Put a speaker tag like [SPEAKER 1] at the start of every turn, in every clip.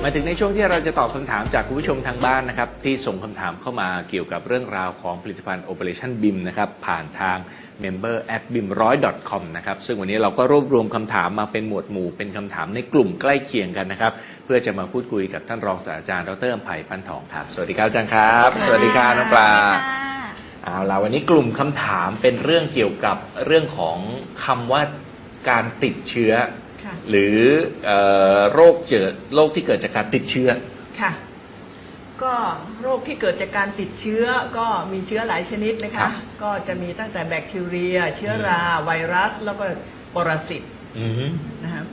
[SPEAKER 1] มาถึงในช่วงที่เราจะตอบคำถามจากคุณผู้ชมทางบ้านนะครับที่ส่งคำถามเข้ามาเกี่ยวกับเรื่องราวของผลิตภัณฑ์ Operation BIM นะครับผ่านทาง member@bim100.com นะครับซึ่งวันนี้เราก็รวบรวมคำถามมาเป็นหมวดหมู่เป็นคำถามในกลุ่มใกล้เคียงกันนะครับเพื่อจะมาพูดคุยกับท่านรองศาสตราจารย์ดร.อำไพฟันทองครับสวัสดีครับอาจารย์ครับสวัสดีครับน้องปลาเอาล่ะวันนี้กลุ่มคำถามเป็นเรื่องเกี่ยวกับเรื่องของคำว่าการติดเชื้อหรือโรคที่เกิดจากการติดเชื้อ
[SPEAKER 2] ค่ะก็โรคที่เกิดจากการติดเชื้อก็มีเชื้อหลายชนิดนะคะก็จะมีตั้งแต่แบคทีเรียเชื้อราไวรัสแล้วก็ปรสิตนะครับ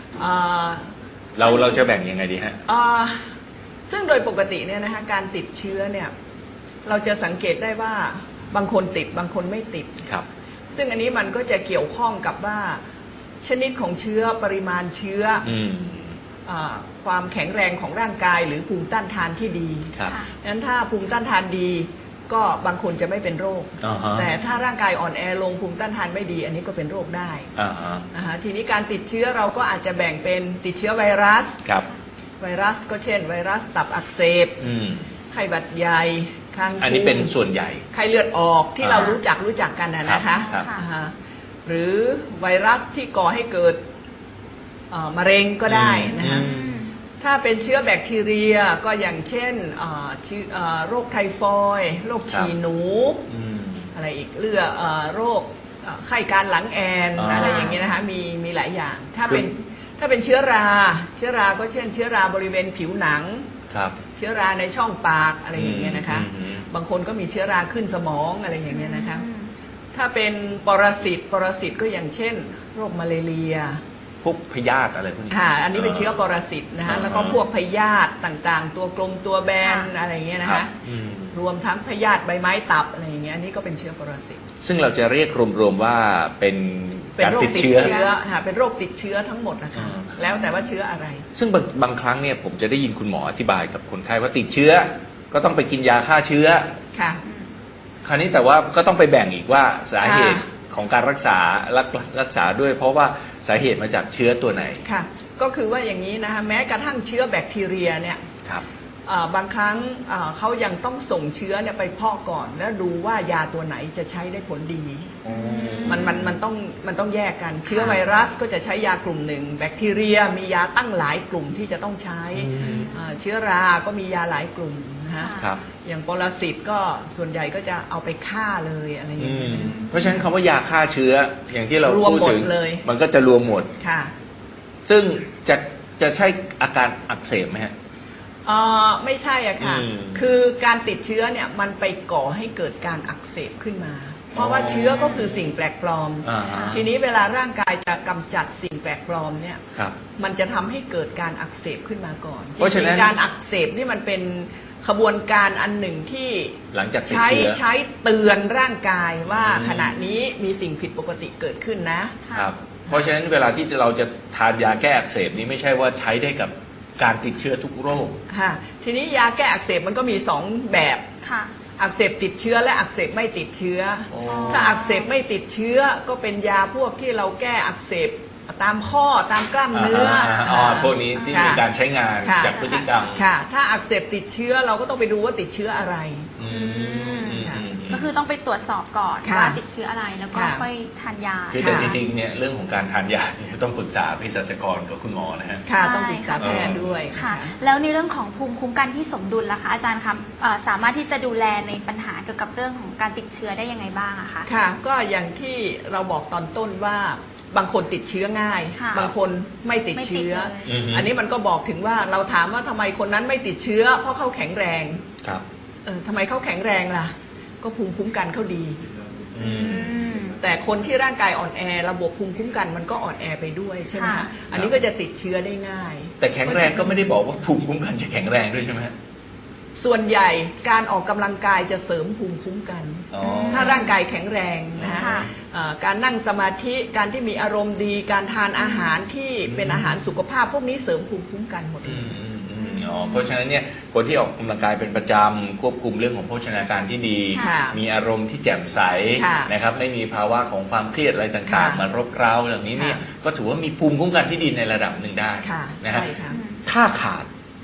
[SPEAKER 1] เราจะแบ่งยังไงดีฮะ
[SPEAKER 2] ซึ่งโดยปกติเนี่ยนะคะการติดเชื้อเนี่ยเราจะสังเกตได้ว่าบางคนติดบางคนไม่ติด
[SPEAKER 1] ครับ
[SPEAKER 2] ซึ่งอันนี้มันก็จะเกี่ยวข้องกับว่าชนิดของเชื้อปริมาณเชื้อความแข็งแรงของร่างกายหรือภูมิต้านทานที่ดีดังนั้นถ้าภูมิต้านทานดีก็บางคนจะไม่เป็นโรคแต่ถ้าร่างกายอ่อนแอลงภูมิต้านทานไม่ดีอันนี้ก็เป็นโรคได้ทีนี้การติดเชื้อเราก็อาจจะแบ่งเป็นติดเชื้อไวรัสไวรัสก็เช่นไวรัสตับอักเสบไข้หวัดใหญ่คังคู
[SPEAKER 1] อันนี้เป็นส่วนใหญ่
[SPEAKER 2] ไข้เลือดออกที่เรารู้จักกันนะคะหรือไวรัสที่ก่อให้เกิดมะเร็งก็ได้นะคะถ้าเป็นเชื้อแบคทีเรียก็อย่างเช่นโรคไทฟอยด์โรคฉี่หนูอะไรอีกโรคไข้การหลังแอนอะไรอย่างเงี้ยนะคะมีหลายอย่างถ้าเป็นเชื้อราก็เช่นเชื้อราบริเวณผิวหนังเชื้อราในช่องปากอะไรอย่างเงี้ยนะคะบางคนก็มีเชื้อราขึ้นสมองอะไรอย่างเงี้ยนะคะถ้าเป็นปรสิตก็อย่างเช่นโรคมาเลเรีย
[SPEAKER 1] พวกพยาธิอะไรพวกนี้
[SPEAKER 2] อันนี้เป็นเชื้อปรสิตนะคะแล้วก็พวกพยาธิต่างๆตัวกลมตัวแบนอะไรอย่างเงี้ยนะคะรวมทั้งพยาธิใบไม้ตับอะไรอย่างเงี้ยอันนี้ก็เป็นเชื้อปรสิต
[SPEAKER 1] ซึ่งเราจะเรียกรวมๆว่าเป็นการติดเชื้อ
[SPEAKER 2] เป็นโรคติดเชื้อทั้งหมดนะคะแล้วแต่ว่าเชื้ออะไร
[SPEAKER 1] ซึ่งบางครั้งเนี่ยผมจะได้ยินคุณหมออธิบายกับคนไข้ว่าติดเชื้อก็ต้องไปกินยาฆ่าเชื้อ
[SPEAKER 2] ค่ะ
[SPEAKER 1] คราวนี้แต่ว่าก็ต้องไปแบ่งอีกว่าสาเหตุของการรักษาด้วยเพราะว่าสาเหตุมาจากเชื้อตัวไหน
[SPEAKER 2] ค่ะก็คือว่าอย่างนี้นะคะแม้กระทั่งเชื้อแบคทีเรียเนี่ยบางครั้งเขายังต้องส่งเชื้อเนี่ยไปเพาะก่อนแล้วดูว่ายาตัวไหนจะใช้ได้ผลดีมันต้องแยกกันเชื้อไวรัสก็จะใช้ยากลุ่มหนึ่งแบคทีเรียมียาตั้งหลายกลุ่มที่จะต้องใช้เชื้อราก็มียาหลายกลุ่มนะอย่างปรสิตก็ส่วนใหญ่ก็จะเอาไปฆ่าเลยอะไรอย่างเงี้ย
[SPEAKER 1] เพราะฉะนั้นคำว่ายาฆ่าเชื้ออย่างที่เราพูดถึงมันก็จะรวมหมด
[SPEAKER 2] ค่ะ
[SPEAKER 1] ซึ่งจะใช่อาการอักเสบไหมฮะ
[SPEAKER 2] ไม่ใช่อะค่ะคือการติดเชื้อเนี่ยมันไปก่อให้เกิดการอักเสบขึ้นมาเพราะว่าเชื้อก็คือสิ่งแปลกปลอมทีนี้เวลาร่างกายจะกำจัดสิ่งแปลกปลอมเนี่ยมันจะทำให้เกิดการอักเสบขึ้นมาก่อนจริงๆการอักเสบนี่มันเป็นขบวนการอันหนึ่งที่
[SPEAKER 1] หลังจาก
[SPEAKER 2] ใช้เตือนร่างกายว่าขณะนี้มีสิ่งผิดปกติเกิดขึ้น
[SPEAKER 1] นะครับเพราะฉะนั้นเวลาที่เราจะทานยาแก้อักเสบนี้ไม่ใช่ว่าใช้ได้กับการติดเชื้อทุกโรค
[SPEAKER 2] ทีนี้ยาแก้อักเสบมันก็มี2แบบอักเสบติดเชื้อและอักเสบไม่ติดเชื้อถ้าอักเสบไม่ติดเชื้อก็เป็นยาพวกที่เราแก้อักเสบตามข้อตามกล้ามเนื้อ
[SPEAKER 1] พวกนี้ที่มีการใช้งานจากพฤติกรรม
[SPEAKER 2] ถ้าอักเสบติดเชื้อเราก็ต้องไปดูว่าติดเชื้ออะไร
[SPEAKER 3] ก็คือต้องไปตรวจสอบก่อนว่าติดเชื้ออะไรแล้วก็ค่อยทานยา
[SPEAKER 1] คือแต่จริงๆเนี่ยเรื่องของการทานยาต้องปรึกษาเภสัชกรกับคุณหมอนะฮะ
[SPEAKER 2] ต้องปรึกษาแพทย์ด้วย
[SPEAKER 3] ค่ะแล้วในเรื่องของภูมิคุ้มกันที่สมดุลล่ะคะอาจารย์คะสามารถที่จะดูแลในปัญหาเกี่ยวกับเรื่องของการติดเชื้อได้ยังไงบ้างอะคะ
[SPEAKER 2] ค่ะก็อย่างที่เราบอกตอนต้นว่าบางคนติดเชื้อง่ายบางคนไม่ติดเชื้ออันนี้มันก็บอกถึงว่าเราถามว่าทำไมคนนั้นไม่ติดเชื้อเพราะเขาแข็งแรงทำไมเขาแข็งแรงล่ะก็ภูมิคุ้มกันเขาดีแต่คนที่ร่างกายอ่อนแอระบบภูมิคุ้มกันมันก็อ่อนแอไปด้วยใช่ไหมคะอันนี้ก็จะติดเชื้อได้ง่าย
[SPEAKER 1] แต่แข็งแรงก็ไม่ได้บอกว่าภูมิคุ้มกันจะแข็งแรงด้วยใช่ไหม
[SPEAKER 2] ส่วนใหญ่การออกกำลังกายจะเสริมภูมิคุ้มกันถ้าร่างกายแข็งแรงนะการนั่งสมาธิการที่มีอารมณ์ดีการทานอาหารที่เป็นอาหารสุขภาพพวกนี้เสริมภูมิคุ้มกันหมดเลย
[SPEAKER 1] เพราะฉะนั้นเนี่ยคนที่ออกกำลังกายเป็นประจำควบคุมเรื่องของโภชนาการที่ดีมีอารมณ์ที่แจ่มใสนะครับไม่มีภาวะของความเครียดอะไรต่างๆมารบเร้าอย่างนี้เนี่ยก็ถือว่ามีภูมิคุ้มกันที่ดีในระดับหนึ่งได้นะฮะถ้าขาด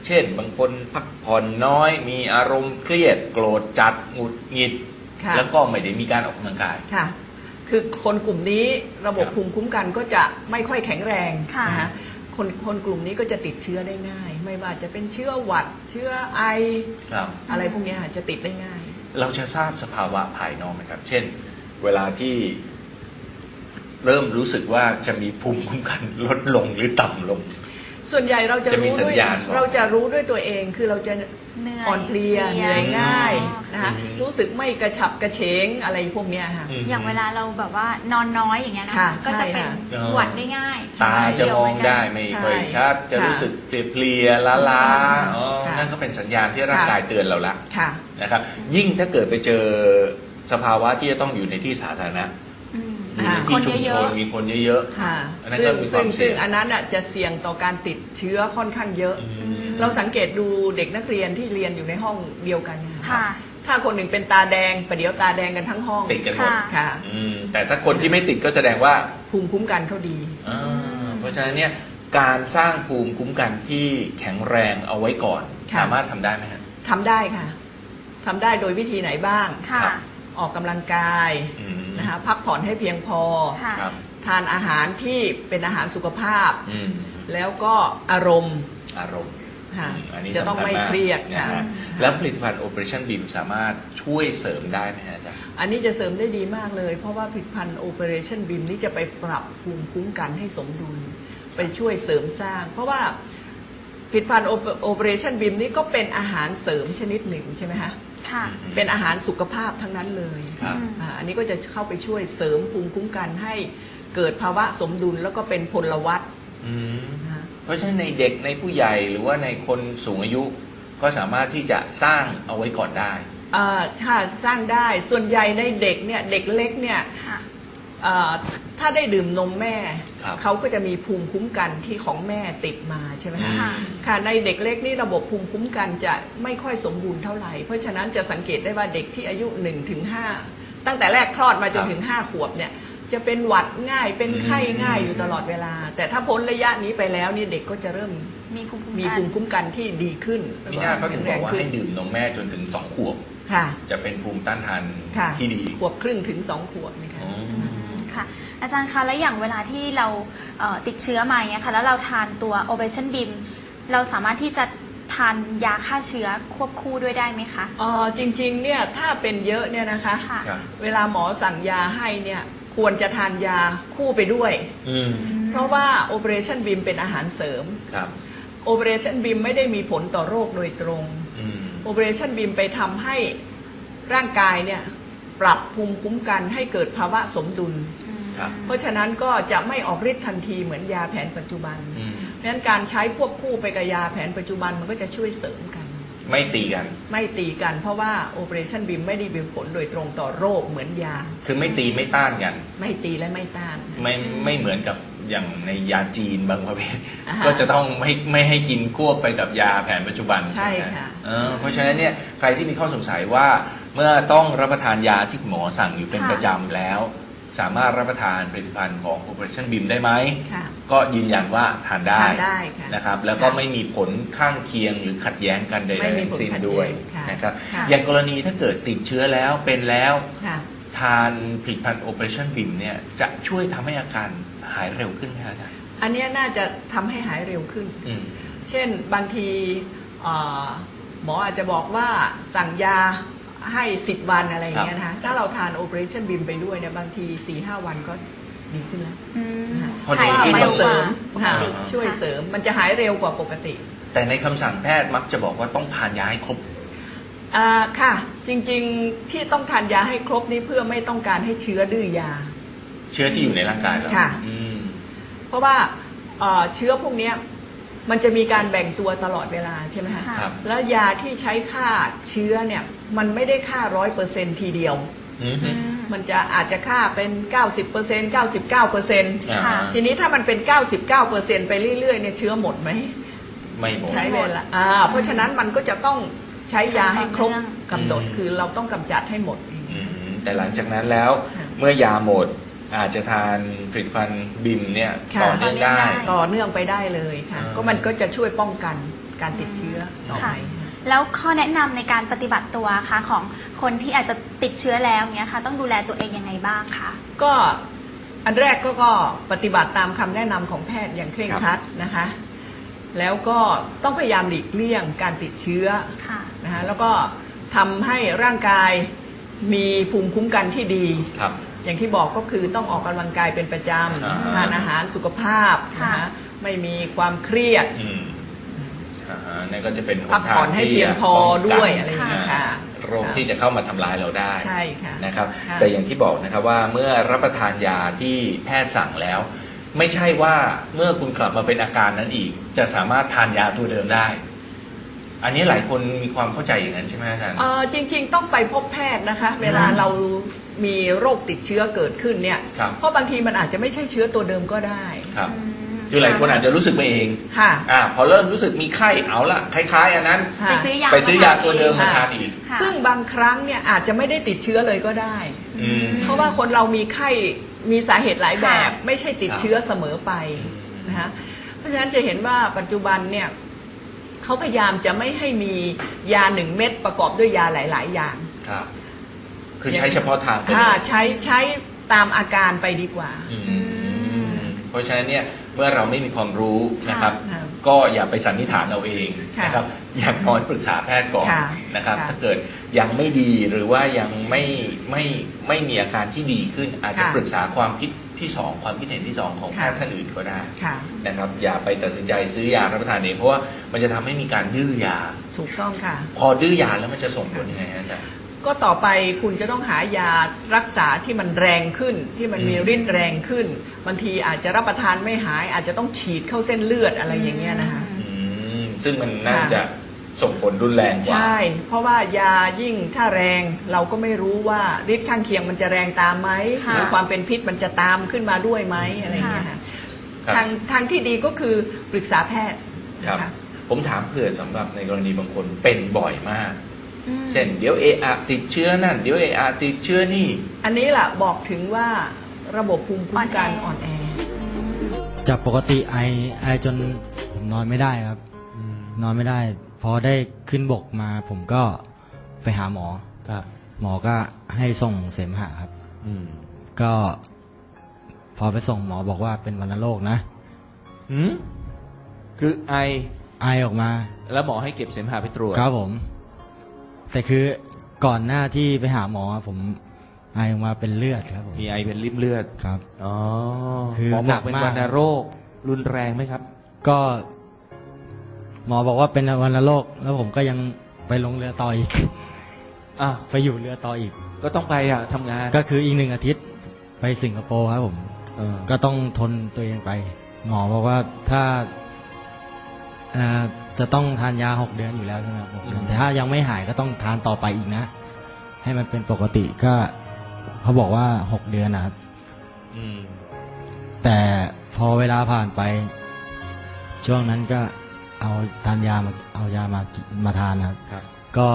[SPEAKER 1] เช่นบางคนพักผ่อนน้อยมีอารมณ์เครียดโกรธจัดหงุดหงิด
[SPEAKER 2] ค่ะ
[SPEAKER 1] แล้วก็ไม่ได้มีการออกกำลังกาย
[SPEAKER 2] ค่ะ คือคนกลุ่มนี้ระบบภูมิคุ้มกันก็จะไม่ค่อยแข็งแรง
[SPEAKER 3] ค่ะ
[SPEAKER 2] นะคะคนกลุ่มนี้ก็จะติดเชื้อได้ง่าย ไม่ว่าจะเป็นเชื้อหวัดเชื้อไอ
[SPEAKER 1] ครับ
[SPEAKER 2] อะไรพวกนี้จะติดได้ง่าย
[SPEAKER 1] เราจะทราบสภาวะภายนอกไหมครับ เช่น เวลาที่เริ่มรู้สึกว่าจะมีภูมิคุ้มกันลดลงหรือต่ำลง
[SPEAKER 2] ส่วนใหญ่เราจะ
[SPEAKER 1] จะมี
[SPEAKER 2] รู้
[SPEAKER 1] สั
[SPEAKER 2] ด้วย
[SPEAKER 1] ญญาณบอก
[SPEAKER 2] เราจะรู้ด้วยตัวเองคือเราจะ
[SPEAKER 3] เหนื่อย
[SPEAKER 2] อ่อนเพลียเหนื่อยง่าย
[SPEAKER 3] อ๋อ
[SPEAKER 2] นะคะ
[SPEAKER 1] อืม
[SPEAKER 2] รู้สึกไม่กระฉับกระเฉงอะไรพวกเนี้ยค่ะ
[SPEAKER 3] อย่างเวลาเราแบบว่านอนน้อยอย่างเงี้ยนะ
[SPEAKER 2] ค่ะ
[SPEAKER 3] ก็จะเป็น
[SPEAKER 2] ใช่ค่ะ
[SPEAKER 3] หวัดได้ง่าย
[SPEAKER 1] ตาจะมองได้ไม่ค่อยชัด จะ
[SPEAKER 2] ค่ะ
[SPEAKER 1] รู้สึกเพลียๆล้าๆอ๋อ
[SPEAKER 2] ค่ะ
[SPEAKER 1] นั่นก็เป็นสัญญาณที่ร่างกายเตือนเราละ
[SPEAKER 2] ค่ะ
[SPEAKER 1] นะครับ ยิ่งถ้าเกิดไปเจอสภาวะที่จะต้องอยู่ในที่สาธารณะ
[SPEAKER 3] อืม
[SPEAKER 1] อยู่ใน
[SPEAKER 3] ค
[SPEAKER 1] ที่
[SPEAKER 3] น
[SPEAKER 1] ชุม
[SPEAKER 3] เย
[SPEAKER 1] ช
[SPEAKER 3] อะ
[SPEAKER 1] นมีคนเยอะ
[SPEAKER 2] ค่ะ
[SPEAKER 1] อันนั้น
[SPEAKER 2] ซึ่
[SPEAKER 1] ก็
[SPEAKER 2] ง
[SPEAKER 1] มีความเสี่ยง
[SPEAKER 2] ซึ่งอันนั้นจะเสี่ยงต่อการติดเชื้อค่อนข้างเยอะ
[SPEAKER 1] ๆ
[SPEAKER 2] เราสังเกตดูเด็กนักเรียนที่เรียนอยู่ในห้องเดียวกัน
[SPEAKER 3] ค่ะ
[SPEAKER 2] ถ้าคนหนึ่งเป็นตาแดงประเดี๋ยวตาแดงกันทั้งห้อง
[SPEAKER 1] ติดกันหมด
[SPEAKER 3] ค่ะ
[SPEAKER 2] ค่ะ
[SPEAKER 1] แต่ถ้าคนที่ไม่ติดก็แสดงว่า
[SPEAKER 2] ภูมิคุ้มกันเขาดี
[SPEAKER 1] เพราะฉะนั้นเนี่ยการสร้างภูมิคุ้มกันที่แข็งแรงเอาไว้ก่อน
[SPEAKER 2] ค่ะ
[SPEAKER 1] สามารถทำได้ไหมฮะ
[SPEAKER 2] ทำได้ค่ะทำได้โดยวิธีไหนบ้าง
[SPEAKER 3] ค่ะ
[SPEAKER 1] ครับ
[SPEAKER 2] ออกกำลังกาย
[SPEAKER 1] อืม
[SPEAKER 2] นะคะพักผ่อนให้เพียงพอ
[SPEAKER 3] ค่ะ
[SPEAKER 1] ครับ
[SPEAKER 2] ทานอาหารที่เป็นอาหารสุขภาพ
[SPEAKER 1] อืม
[SPEAKER 2] แล้วก็อารมณ์
[SPEAKER 1] อารมณ์
[SPEAKER 2] ค่ะ
[SPEAKER 1] อันนี้
[SPEAKER 2] จะต้อง
[SPEAKER 1] สำคัญ
[SPEAKER 2] ไม่
[SPEAKER 1] มาก
[SPEAKER 2] เครียด
[SPEAKER 1] นะ
[SPEAKER 2] ค่ะ
[SPEAKER 1] ฮะแล้วผลิตภัณฑ์ Operation BEAM สามารถช่วยเสริมได้ไหมฮะอาจารย์
[SPEAKER 2] อันนี้จะเสริมได้ดีมากเลย เพราะว่าผลิตภัณฑ์ Operation BEAM นี้จะไปปรับภูมิคุ้มกันให้สมดุล ไปช่วยเสริมสร้าง เพราะว่าผลิตภัณฑ์ Operation BEAM นี้ก็เป็นอาหารเสริมชนิดหนึ่งใช่ไหมคะ
[SPEAKER 3] ค่ะ
[SPEAKER 2] เป็นอาหารสุขภาพทั้งนั้นเลย
[SPEAKER 1] ครับ
[SPEAKER 2] อันนี้ก็จะเข้าไปช่วยเสริมภูมิคุ้มกันให้เกิดภาวะสมดุลแล้วก็เป็นพลวัต
[SPEAKER 1] อืม
[SPEAKER 2] นะคะ
[SPEAKER 1] เพราะฉะนั้นในเด็กในผู้ใหญ่หรือว่าในคนสูงอายุก็สามารถที่จะสร้างเอาไว้ก่อนได้
[SPEAKER 2] ถ้าสร้างได้ส่วนใหญ่ในเด็กเนี่ยเด็กเล็กเนี่ย
[SPEAKER 3] ค่ะ
[SPEAKER 2] ถ้าได้ดื่มนมแม่
[SPEAKER 1] ครับ
[SPEAKER 2] เขาก็จะมีภูมิคุ้มกันที่ของแม่ติดมาใช่ไหมคะ
[SPEAKER 3] ค่ะ
[SPEAKER 2] ค่ะในเด็กเล็กนี่ระบบภูมิคุ้มกันจะไม่ค่อยสมบูรณ์เท่าไหร่ เพราะฉะนั้นจะสังเกตได้ว่าเด็กที่อายุ 1-5 ตั้งแต่แรกคลอดมาจนถึง 5 ขวบเนี่ยจะเป็นหวัดง่ายเป็นไข้ง่ายอยู่ตลอดเวลา แต่ถ้าพ้นระยะนี้ไปแล้วนี่เด็กก็จะเริ่ม
[SPEAKER 3] มีภูมิคุ้ม
[SPEAKER 2] มี
[SPEAKER 3] กัน
[SPEAKER 2] ภูมิคุ้มกันที่ดีขึ้น
[SPEAKER 1] มีหน้าเขาถึงบอกว่า
[SPEAKER 2] แข็
[SPEAKER 1] ให้
[SPEAKER 2] งแรงขึ้น
[SPEAKER 1] ดื่มนมแม่จนถึง2 ขวบ
[SPEAKER 2] ค่ะ
[SPEAKER 1] จะเป็นภูมิต้านทาน
[SPEAKER 2] ค่ะ
[SPEAKER 1] ที่ดี
[SPEAKER 2] ขวบครึ่งถึง2 ขวบนะคะ
[SPEAKER 1] อืม
[SPEAKER 3] ค่ะ อาจารย์คะแล้วอย่างเวลาที่เราติดเชื้อมาอย่างเงี้ยค่ะแล้วเราทานตัว Operation BEAM เราสามารถที่จะทานยาฆ่าเชื้อควบคู่ด้วยได้ไหมคะ
[SPEAKER 2] จริงๆเนี่ยถ้าเป็นเยอะเนี่ยนะคะ
[SPEAKER 3] ค่ะ
[SPEAKER 1] ครับ
[SPEAKER 2] เวลาหมอสั่งยาให้เนี่ยควรจะทานยาคู่ไปด้วย
[SPEAKER 1] อืม
[SPEAKER 2] เพราะว่า Operation BEAM เป็นอาหารเสริม
[SPEAKER 1] ครับ
[SPEAKER 2] Operation BEAM ไม่ได้มีผลต่อโรคโดยตรง
[SPEAKER 1] อืม
[SPEAKER 2] Operation BEAM ไปทำให้ร่างกายเนี่ยปรับภูมิคุ้มกันให้เกิดภาวะสมดุล
[SPEAKER 1] ครับ
[SPEAKER 2] เพราะฉะนั้นก็จะไม่ออกฤทธิ์ทันทีเหมือนยาแผนปัจจุบัน
[SPEAKER 1] อืม
[SPEAKER 2] เพราะฉะนั้นการใช้ควบคู่ไปกับยาแผนปัจจุบันมันก็จะช่วยเสริมกัน
[SPEAKER 1] ไม่ตีกัน
[SPEAKER 2] ไม่ตีกันเพราะว่า Operation BEAM ไม่ได้มีผลโดยตรงต่อโรคเหมือนยา
[SPEAKER 1] คือไม่ตีไม่ต้านกัน
[SPEAKER 2] ไม่ตีและไม่ต้าน
[SPEAKER 1] ไม่เหมือนกับอย่างในยาจีนบางประเภท
[SPEAKER 2] อ่าฮะ
[SPEAKER 1] ก็จะต้องไม่ให้กินควบไปกับยาแผนปัจจุบัน
[SPEAKER 2] ใช่
[SPEAKER 1] ไหม
[SPEAKER 2] ค่ะ
[SPEAKER 1] เพราะฉะนั้นเนี่ยใครที่มีข้อสงสัยว่าเมื่อต้องรับประทานยาที่คุณหมอสั่งอยู่เป็น
[SPEAKER 3] ค่ะ
[SPEAKER 1] ประจำแล้ว สามารถรับประทานผลิตภัณฑ์ของ Operation BEAM ได้ไหม
[SPEAKER 2] ค่ะ
[SPEAKER 1] ก็ยืนยันว่าทานได้
[SPEAKER 2] ทานได้ค่ะ
[SPEAKER 1] นะครับแล้วก็ไม่มีผลข้างเคียงหรือขัดแย้งกันใด
[SPEAKER 2] ไม่
[SPEAKER 1] ๆ
[SPEAKER 2] มี
[SPEAKER 1] ทั้
[SPEAKER 2] ผ
[SPEAKER 1] ง
[SPEAKER 2] ล
[SPEAKER 1] สิ้น
[SPEAKER 2] ขัดแย้ง
[SPEAKER 1] ด้วย
[SPEAKER 2] ค่ะ
[SPEAKER 1] นะครับ
[SPEAKER 3] ค่ะ
[SPEAKER 1] อย่างกรณีถ้าเกิดติดเชื้อแล้วเป็นแล้ว
[SPEAKER 2] ค่ะ
[SPEAKER 1] ทานผลิตภัณฑ์ Operation BEAM เนี่ยจะช่วยทำให้อาการหายเร็วขึ้นไหมครับอาจารย์
[SPEAKER 2] อันเนี้ยน่าจะทำให้หายเร็วขึ้น
[SPEAKER 1] อืม
[SPEAKER 2] เช่นบางทีหมออาจจะบอกว่าสั่งยาให้10 วันอะไรอย่างเงี้ยนะคะถ้าเราทาน Operation BEAM ไปด้วยเนี่ยบางที 4-5 วันก็ดีขึ้นแล้ว
[SPEAKER 3] อืม
[SPEAKER 1] พอดี
[SPEAKER 3] หาย
[SPEAKER 1] ขึ้น
[SPEAKER 3] เร็ว
[SPEAKER 2] เส
[SPEAKER 3] ก
[SPEAKER 2] ริ
[SPEAKER 3] ว่าม ปก
[SPEAKER 2] ค่ะ
[SPEAKER 3] ติ
[SPEAKER 2] ช่วยเสริมมันจะหายเร็วกว่าปกติ
[SPEAKER 1] แต่ในคำสั่งแพทย์มักจะบอกว่าต้องทานยาให้ครบ
[SPEAKER 2] ค่ะ จริงๆที่ต้องทานยาให้ครบนี้เพื่อไม่ต้องการให้เชื้อดื้อยา
[SPEAKER 1] เชื้อที่อยู่ในร่างกายเรา
[SPEAKER 2] ค่ะ
[SPEAKER 1] อืม
[SPEAKER 2] เพราะว่าเชื้อพวกเนี้ยมันจะมีการแบ่งตัวตลอดเวลาใช่ไหมคะ
[SPEAKER 3] ค่ะ
[SPEAKER 1] ครับ
[SPEAKER 2] แล้วยาที่ใช้ฆ่าเชื้อเนี่ยมันไม่ได้ฆ่า100%ทีเดียว
[SPEAKER 1] อืม
[SPEAKER 3] อืม
[SPEAKER 2] มันจะอาจจะฆ่าเป็น 90% 99%
[SPEAKER 1] อ่า
[SPEAKER 3] ค่ะ
[SPEAKER 2] ทีนี้ถ้ามันเป็น 99% ไปเรื่อยๆเนี่ยเชื้อหมดไหม
[SPEAKER 1] ไม่หมด
[SPEAKER 2] ใช้เวลาเพราะฉะนั้นมันก็จะต้องใช้ยาให้ครบกำหนด
[SPEAKER 1] อืม
[SPEAKER 2] คือเราต้องกำจัดให้หมด
[SPEAKER 1] อืมแต่หลังจากนั้นแล้ว
[SPEAKER 2] ค่ะ
[SPEAKER 1] เมื่อยาหมดอาจจะทานผลิตภัณฑ์บิมเนี่ย
[SPEAKER 2] ค่ะ
[SPEAKER 1] ต่อเนื่องได้
[SPEAKER 3] ต่อเนื่องได้
[SPEAKER 2] ต่อเนื่องไปได้เลยค่ะ
[SPEAKER 1] อ่า
[SPEAKER 2] ก็มันก็จะช่วยป้องกันการติดเชื้อต่อไป
[SPEAKER 3] แล้วข้อแนะนำในการปฏิบัติตัวค่ะของคนที่อาจจะติดเชื้อแล้วเนี้ยค่ะต้องดูแลตัวเองยังไงบ้างคะ
[SPEAKER 2] ก็อันแรกก็ปฏิบัติตามคำแนะนำของแพทย์อย่างเคร่งครัดนะคะแล้วก็ต้องพยายามหลีกเลี่ยงการติดเชื้อนะคะแล้วก็ทำให้ร่างกายมีภูมิคุ้มกันที่ดีอย่างที่บอกก็คือต้องออกกำลังกายเป็นประจำทานอาหารสุขภาพนะคะไม่มีความเครียด
[SPEAKER 1] นั่นก็จะเป็น
[SPEAKER 2] พักผ่อนให้เพียงพอด้วยอะไรอย่างนี้ค่ะ
[SPEAKER 1] โรคที่จะเข้ามาทำลายเราได้
[SPEAKER 2] ใช่ค่ะ
[SPEAKER 1] นะครับแต่อย่างที่บอกนะครับว่าเมื่อรับประทานยาที่แพทย์สั่งแล้วไม่ใช่ว่าเมื่อคุณกลับมาเป็นอาการนั้นอีกจะสามารถทานยาตัวเดิมได้อันนี้หลายคนมีความเข้าใจอย่างนั้นใช่ไหมอาจารย์
[SPEAKER 2] จริงๆต้องไปพบแพทย์นะคะเวลาเรามีโรคติดเชื้อเกิดขึ้นเนี่ยเพราะบางทีมันอาจจะไม่ใช่เชื้อตัวเดิมก็ได้
[SPEAKER 1] ครับคือหลายคนอาจจะรู้สึกไปเอง
[SPEAKER 2] ค่ะ
[SPEAKER 1] พอเริ่มรู้สึกมีไข้เอาละคล้ายๆอันนั้นไปซื้อยาตัวเดิมมาทานอีก
[SPEAKER 2] ซึ่งบางครั้งเนี่ยอาจจะไม่ได้ติดเชื้อเลยก็ได้เพราะว่าคนเรามีไข้มีสาเหตุหลายแบบไม่ใช่ติดเชื้อเสมอไปนะคะเพราะฉะนั้นจะเห็นว่าปัจจุบันเนี่ยเขาพยายามจะไม่ให้มียา1 เม็ดประกอบด้วยยาหลายๆอย่าง
[SPEAKER 1] ครับคือใช้เฉพาะทาง
[SPEAKER 2] ใช้ตามอาการไปดีกว่า
[SPEAKER 1] เพราะฉะนั้นเนี่ยเมื่อเราไม่มีความรู้นะครับก็อย่าไปสันนิษฐานเอาเองนะครับอย่างน้อยปรึกษาแพทย์ก่อนนะครับถ้าเกิดยังไม่ดีหรือว่ายังไม่มีอาการที่ดีขึ้นอาจจะปรึกษาความคิดที่2ความคิดเห็นที่2ของแพทย์ท่านอื่นก็ได้นะครับอย่าไปตัดสินใจซื้อยารับประทานเองเพราะว่ามันจะทำให้มีการดื้อยา
[SPEAKER 2] ถูกต้องค่ะ
[SPEAKER 1] พอดื้อยาแล้วมันจะส่งผลยังไงอาจารย์
[SPEAKER 2] ก็ต่อไปคุณจะต้องหายารักษาที่มันแรงขึ้นที่มันมีฤทธิ์แรงขึ้นบางทีอาจจะรับประทานไม่หายอาจจะต้องฉีดเข้าเส้นเลือดอะไรอย่างเงี้ยนะคะ
[SPEAKER 1] ซึ่งมันน่าจะส่งผลรุนแรงกว่า
[SPEAKER 2] ใช่เพราะว่ายายิ่งถ้าแรงเราก็ไม่รู้ว่าฤทธิ์ข้างเคียงมันจะแรงตามไหมหรือความเป็นพิษมันจะตามขึ้นมาด้วยไหมอะไรอย่างเงี้ยค่ะทางที่ดีก็คือปรึกษาแพทย์
[SPEAKER 1] ครับผมถามเผื่อสำหรับในกรณีบางคนเป็นบ่อยมากเช่นเดี๋ยวติดเชื้อนั่นเดี๋ยวติดเชื้อนี่
[SPEAKER 2] อันนี้แหละบอกถึงว่าระบบภูมิคุ้มกันอ่อนแอ
[SPEAKER 4] จากปกติไอจนผมนอนไม่ได้ครับนอนไม่ได้พอได้ขึ้นบกมาผมก็ไปหาหมอ
[SPEAKER 1] ครับ
[SPEAKER 4] หมอก็ให้ส่งเสมหะครับก็พอไปส่งหมอบอกว่าเป็นวัณโรคนะ
[SPEAKER 1] คือไอ
[SPEAKER 4] ออกมา
[SPEAKER 1] แล้วหมอให้เก็บเสมหะไปตรวจ
[SPEAKER 4] ครับผมแต่คือก่อนหน้าที่ไปหาหมอผมไอออกมาเป็นเลือดครับผม
[SPEAKER 1] มีไอเป็นริ่มเลือด
[SPEAKER 4] ครับ
[SPEAKER 1] อ๋อ
[SPEAKER 4] คือ
[SPEAKER 1] หนักเป็นวัณโรครุนแรงไหมครับ
[SPEAKER 4] ก็หมอบอกว่าเป็นวัณโรคแล้วผมก็ยังไปลงเรือต่ออีกไปอยู่เรือต่ออีก
[SPEAKER 1] ก็ต้องไปทำงาน
[SPEAKER 4] ก็คืออีก1 อาทิตย์ไปสิงคโปร์ครับผมก็ต้องทนตัวเองไปหมอบอกว่าถ้าจะต้องทานยา6 เดือนอยู่แล้วใช่ไหมครับ6 เดือนแต่ถ้ายังไม่หายก็ต้องทานต่อไปอีกนะให้มันเป็นปกติก็เขาบอกว่า6 เดือนนะครับแต่พอเวลาผ่านไปช่วงนั้นก็เอายามาทานนะครับก็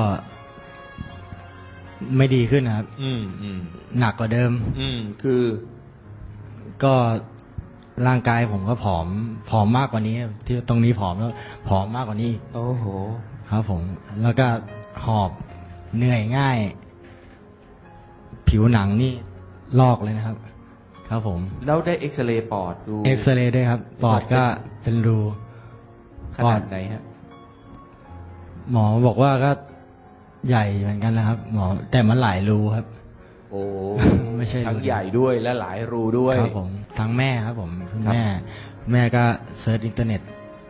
[SPEAKER 4] ไม่ดีขึ้นนะครับหนักกว่าเดิม
[SPEAKER 1] คือ
[SPEAKER 4] ก็ร่างกายผมก็ผอมมากกว่านี้ที่ตรงนี้ผอมแล้วผอมมากกว่านี้
[SPEAKER 1] โอ้โห
[SPEAKER 4] ครับผมแล้วก็หอบเหนื่อยง่ายผิวหนังนี่ลอกเลยนะครับครับผม
[SPEAKER 1] แล้วได้เอ็กซเรย์ปอดดู
[SPEAKER 4] เอ็กซเรย์ด้วยครับปอดก็เป็นรู
[SPEAKER 1] ขนาดไหนฮะ
[SPEAKER 4] หมอบอกว่าก็ใหญ่เหมือนกันนะครับหมอแต่มันหลายรูครับ
[SPEAKER 1] โอ้
[SPEAKER 4] ไม่ใช่
[SPEAKER 1] ทั้งใหญ่ด้วยและหลายรูด้วย
[SPEAKER 4] ครับผมทั้งแม่ครับผมแม่ก็เซิร์ชอินเทอร์เน็ต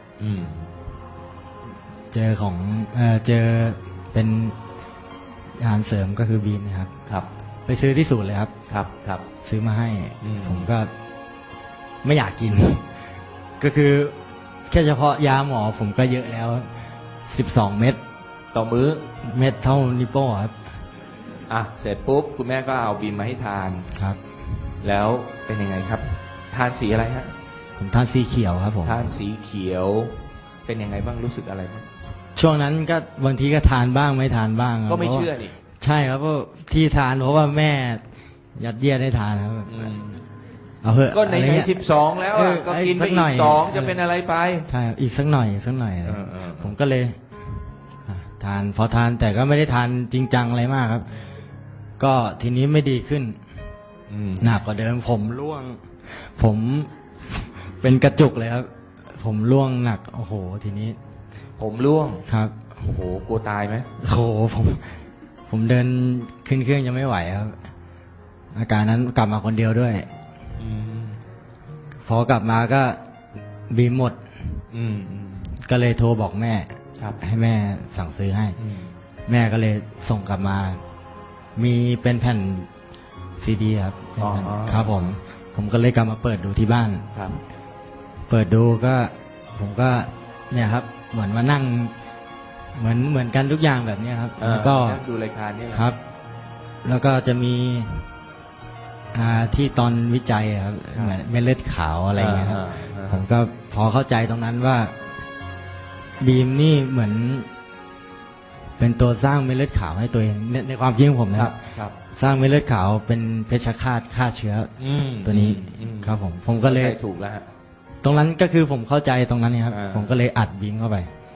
[SPEAKER 4] เจอเป็นอาหารเสริมก็คือบีนนะครับ
[SPEAKER 1] ครับ
[SPEAKER 4] ไปซื้อที่ศูนย์เลยครับ
[SPEAKER 1] ครับ
[SPEAKER 4] ซื้อมาให้ผมก็ไม่อยากกินก็คือแค่เฉพาะยาหมอผมก็เยอะแล้ว12 เม็ด
[SPEAKER 1] ต่อมื้อ
[SPEAKER 4] เม็ดเท่านิ้วโป้งครับ
[SPEAKER 1] เสร็จปุ๊บคุณแม่ก็เอาบีมมาให้ทาน
[SPEAKER 4] ครับ
[SPEAKER 1] แล้วเป็นยังไงครับทานสีอะไรฮะ
[SPEAKER 4] ผมทานสีเขียวครับผม
[SPEAKER 1] ทานสีเขียวเป็นยังไงบ้างรู้สึกอะไรบ้าง
[SPEAKER 4] ช่วงนั้นก็บางทีก็ทานบ้างไม่ทานบ้าง
[SPEAKER 1] ก็ไม่เชื่อนี่
[SPEAKER 4] ใช่ครับเพราะที่ทานเพราะว่าแม่ยัดเยียดให้ทานครับเอาเถอะ
[SPEAKER 1] ก็ใน
[SPEAKER 4] อะไร
[SPEAKER 1] ใน
[SPEAKER 4] เงี้ย
[SPEAKER 1] 12 แล้วอะก็กินไป
[SPEAKER 4] สักหน่
[SPEAKER 1] อี
[SPEAKER 4] อย
[SPEAKER 1] ก2จะเป็นอะไรไป
[SPEAKER 4] ใช่ครับอีกสักหน่อยสักหน่อยอะไร
[SPEAKER 1] เออ
[SPEAKER 4] ผมก็เลยทานพอทานแต่ก็ไม่ได้ทานจริงจังอะไรมากครับ ก็ทีนี้ไม่ดีขึ้นหนักกว่าเดิมผมร่วง ผมเป็นกระจุกเลยครับ ผมร่วงหนักโอ้โห ทีนี้
[SPEAKER 1] ผมร่วง
[SPEAKER 4] ครับ
[SPEAKER 1] โอ้โหกลัวตายไหม
[SPEAKER 4] โอ้โหผมเดินขึ้นเครื่องยังไม่ไหวครับ อาการนั้นกลับมาคนเดียวด้วย พอกลับมาก็บีมหมด ก็เลยโทรบอกแม่
[SPEAKER 1] ครับ
[SPEAKER 4] ให้แม่สั่งซื้อให้ แม่ก็เลยส่งกลับมา มีเป็นแผ่นซีดีครับเป็นแผ่นครับผมก็เลยกลับมาเปิดดูที่บ้าน
[SPEAKER 1] ครับ
[SPEAKER 4] เปิดดูก็ ผมก็เนี่ยครับ เหมือนมานั่ง เหมือนกันทุกอย่างแบบเนี้ยครับ แล้วก็
[SPEAKER 1] ดูรายการนี่แหละ
[SPEAKER 4] ครับ แล้วก็จะมีที่ตอนวิจัยครับเหมือนเม็ดเลือดขาวอะไรอย่างเงี้ยครับผมก็พอเข้าใจตรงนั้นว่า บีมนี่เหมือน เป็นตัวสร้างเม็ดเลือดขาวให้ตัวเองในความคิดของผมนะครับ
[SPEAKER 1] ครับ
[SPEAKER 4] สร้างเม็ดเลือดขาวเป็นเพชฌฆาตฆ่าเชื้อตัวนี้ครับผมก็เลย
[SPEAKER 1] ถูกแล้วฮะ
[SPEAKER 4] ตรงนั้นก็คือผมเข้าใจตรงนั้นครับ
[SPEAKER 1] อ่า
[SPEAKER 4] ผมก็เลยอัดบีมเข้าไป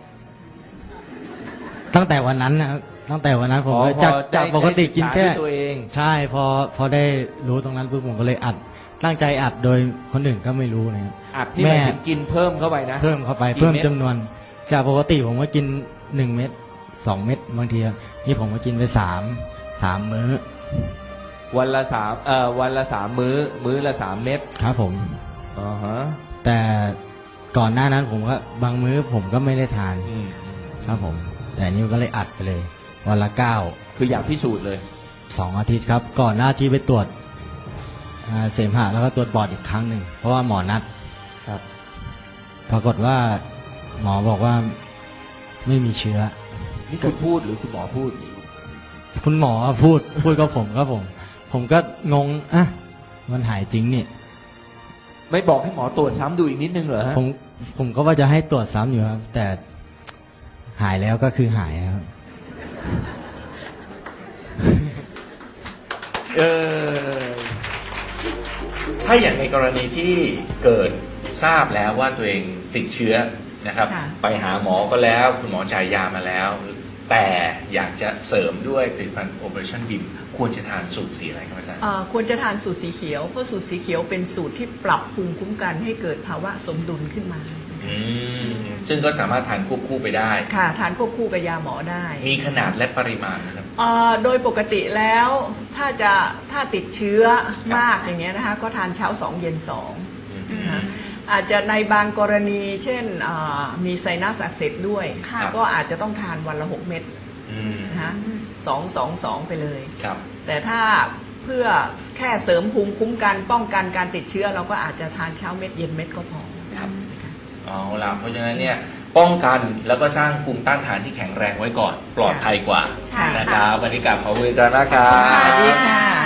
[SPEAKER 4] ตั้งแต่วันนั้นนะครับตั้งแต่วันนั้นผมก็จากปกติกินแค่
[SPEAKER 1] ได้ศึษาด้วยตัวเอง
[SPEAKER 4] ใช่พอได้รู้ตรงนั้นปุ๊บผมก็เลยอัด ตั้งใจอัดโดยคนอื่นก็ไม่รู้นะครับ
[SPEAKER 1] อัดนี่หมายถึงกินเพิ่มเข้าไปนะ
[SPEAKER 4] เพิ่มเข้าไป
[SPEAKER 1] กี่
[SPEAKER 4] เพิ่ม
[SPEAKER 1] เม็ด
[SPEAKER 4] จำนวน จากปกติผมก็กิน1 เม็ด2 เม็ดบางทีนี่ผมก็กินไป3 มื้อ
[SPEAKER 1] วันละ3 มื้อมื้อละ3 เม็ด
[SPEAKER 4] ครับผม
[SPEAKER 1] อ๋อฮะ
[SPEAKER 4] แต่ก่อนหน้านั้นผมก็บางมื้อผมก็ไม่ได้ทาน ครับผม แต่นี่ก็เลยอัดไปเลย วันละ9
[SPEAKER 1] คืออยากพิสูจน์เลย
[SPEAKER 4] 2 อาทิตย์ครับ ก่อนหน้าที่ไปตรวจเสมหะแล้วก็ตรวจปอดอีกครั้งหนึ่งเพราะว่าหมอนัด
[SPEAKER 1] ครับ
[SPEAKER 4] ปรากฏว่าหมอบอกว่าไม่มีเชื้อ
[SPEAKER 1] นี่คุณพูดหรือคุณหมอพูด
[SPEAKER 4] คุณหมอพูดกับผมครับผมก็งงอ่ะมันหายจริงนี่
[SPEAKER 1] ไม่บอกให้หมอตรวจซ้ำดูอีกนิดนึงเหรอฮะ
[SPEAKER 4] ผมก็ว่าจะให้ตรวจซ้ำอยู่ครับ แต่หายแล้วก็คือหายครับ
[SPEAKER 1] ถ้าอย่างในกรณีที่เกิดทราบแล้วว่าตัวเองติดเชื้อนะครับ
[SPEAKER 2] ค่ะ
[SPEAKER 1] ไปหาหมอก็แล้วคุณหมอจ่ายยามาแล้ว แต่อยากจะเสริมด้วยผลิตภัณฑ์ Operation BIM ควรจะทานสูตรสีอะไรครับอาจารย์
[SPEAKER 2] ควรจะทานสูตรสีเขียวเพราะสูตรสีเขียวเป็นสูตรที่ปรับภูมิคุ้มกันให้เกิดภาวะสมดุลขึ้นมา
[SPEAKER 1] ซึ่งก็สามารถทานควบคู่ไปได้
[SPEAKER 2] ค่ะทานควบคู่กับยาหมอได้
[SPEAKER 1] มีขนาดและปริมาณนะครับ
[SPEAKER 2] โดยปกติแล้วถ้าติดเชื้อมากอย่างเงี้ยนะคะก็ทานเช้า2 เย็น2นะคะอาจจะในบางกรณีเช่นมีไซนัสอักเสบด้วย
[SPEAKER 3] ค่ะ
[SPEAKER 2] ก็อาจจะต้องทานวันละ 6 เม็ดนะคะ2 ไปเลย
[SPEAKER 1] ครับ
[SPEAKER 2] แต่ถ้าเพื่อแค่เสริมภูมิคุ้มกันป้องกันการติดเชื้อเราก็อาจจะทานเช้าเม็ดเย็นเม็ดก็พอ
[SPEAKER 1] ครับเอาล่ะเพราะฉะนั้นเนี่ยป้องกันแล้วก็สร้างภูมิต้านทานที่แข็งแรงไว้ก่อน ปลอดภัยกว่า
[SPEAKER 3] ใช่ค่ะ
[SPEAKER 1] นะครับวันนี้กราบขอบคุณอาจารย์มากครับ
[SPEAKER 2] สวัสดีค่ะ